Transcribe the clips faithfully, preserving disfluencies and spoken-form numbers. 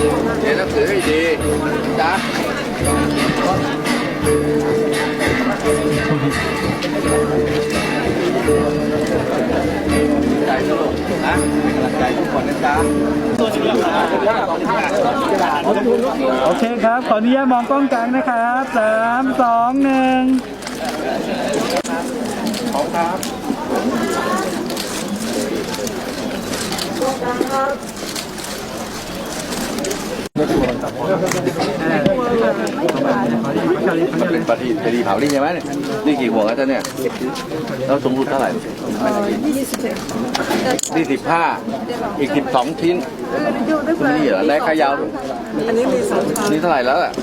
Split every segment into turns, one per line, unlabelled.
เรียนหนังสือให้ดีจ้าใจสนุกนะเป็นกำลังใจทุกคนนะจ๊ะ
โอเคครับขออนุญาตมองกล้องกลางนะครับสามสองหนึ่ง
ขอบครับเป็นปฏิปฏิเผานี่ใช่ไหมเนี่ยนี่กี่หัวกันจ๊ะเนี่ยแล้วสูงสุดเท่าไหร่นี่สิบห้าอีกสิบสองชิ้นนี่เหรอได้ขายาวอันนี้มีสองนี่เท่าไหร่แล้วอ่ะ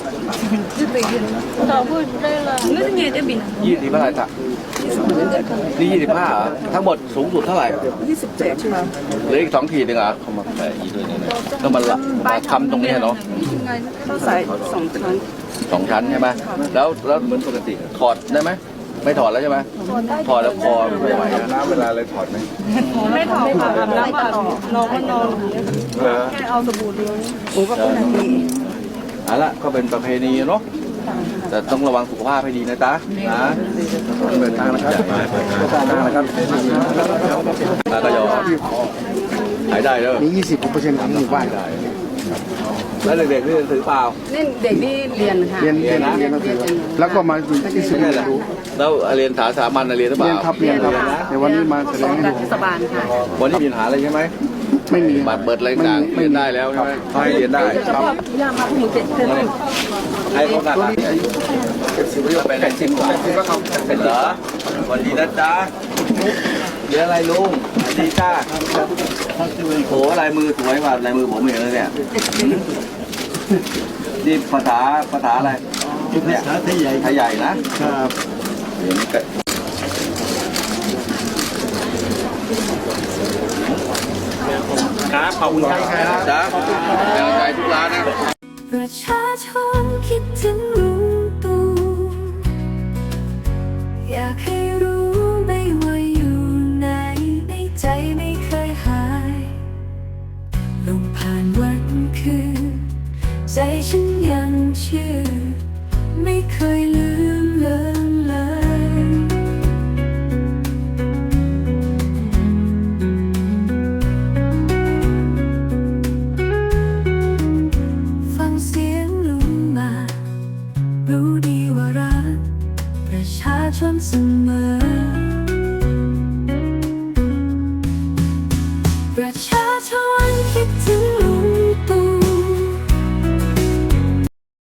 ยี่สิบเท่าไหร่จ๊ะนี่ยี่สิบห้าเหรอทั้งหมดสูงสุดเท่าไหร่ยี่สิบเจ็ดครับเหลืออีกสองขีดหนึ่งอ่ะเขามาใส่อีกด้วยเนี่ยต้องมามาทำตรงนี้เนาะ
ต้องใส่สองชั้น
สองชั้นใช่ไหมแล้วแล้วเหมือนปกติถอดได้ไหมไม่ถอดแล้วใช่ไหมถอดแล้วคอไม่ไหวนะน้ำเวลาเลยถอดไหม
ไม่ถอดค่ะอาบน้ำก่อนนอนก็นอนแค่เอาสบู่เดียวโอ้ก็เป็นนาที
เอาละก็เป็นประเพณีเนาะแต่ต้องระวังสุขภาพให้ดีนะจ๊ะนะเปิดทางนะครับเปิดทางนะครับแล้วก็ยอมหายได้แล้ว
มียี่สิบเปอร์เซ็นต์ของหมู่บ้านได้
แล้วเด็กๆนี่ถือเปล่า
นี่เด็กนี่เรียนค่ะ
เรียนเรียนนะแล้วก็มาที่สุดเลย
แล้วเรียนสาสามัญเรียนหรือเปล่า
เรียนครับเรียนครับในวันนี้มาแสดงให้ดู
เทศบาลค่ะ
วันนี้มีปัญหาอะไรใช่ไหม
ไม่มี
บัตรเปิดอะไรต่างเรียนได้แล้วใช่ไหมเขาให้เรียนได้ครับ
ย่ามาพวกหนูเจ็ดเทอม
ให้เขาหนักเป็นเป็นสิบกว่าเป็นเหรอวันดีนะจ๊ะเรียนอะไรลุงดีจ้าโหลายมือสวยกว่าลายมือผมเองเลยเนี่ยนี่ภาษาภาษาอะไร
ภาษาไทยใหญ่
ไทยใหญ่นะครับเดี๋ยวนี้ครับขอบคุณครับจ้าเป็นกำลังใจทุกร้านนะ
ประชาชนคิดถึงลุงตู่อยากให้รู้ไม่ว่าอยู่ไหนในใจไม่เคยหายลงผ่านวันคืนใจฉันยังเชื่อไม่เคยลืม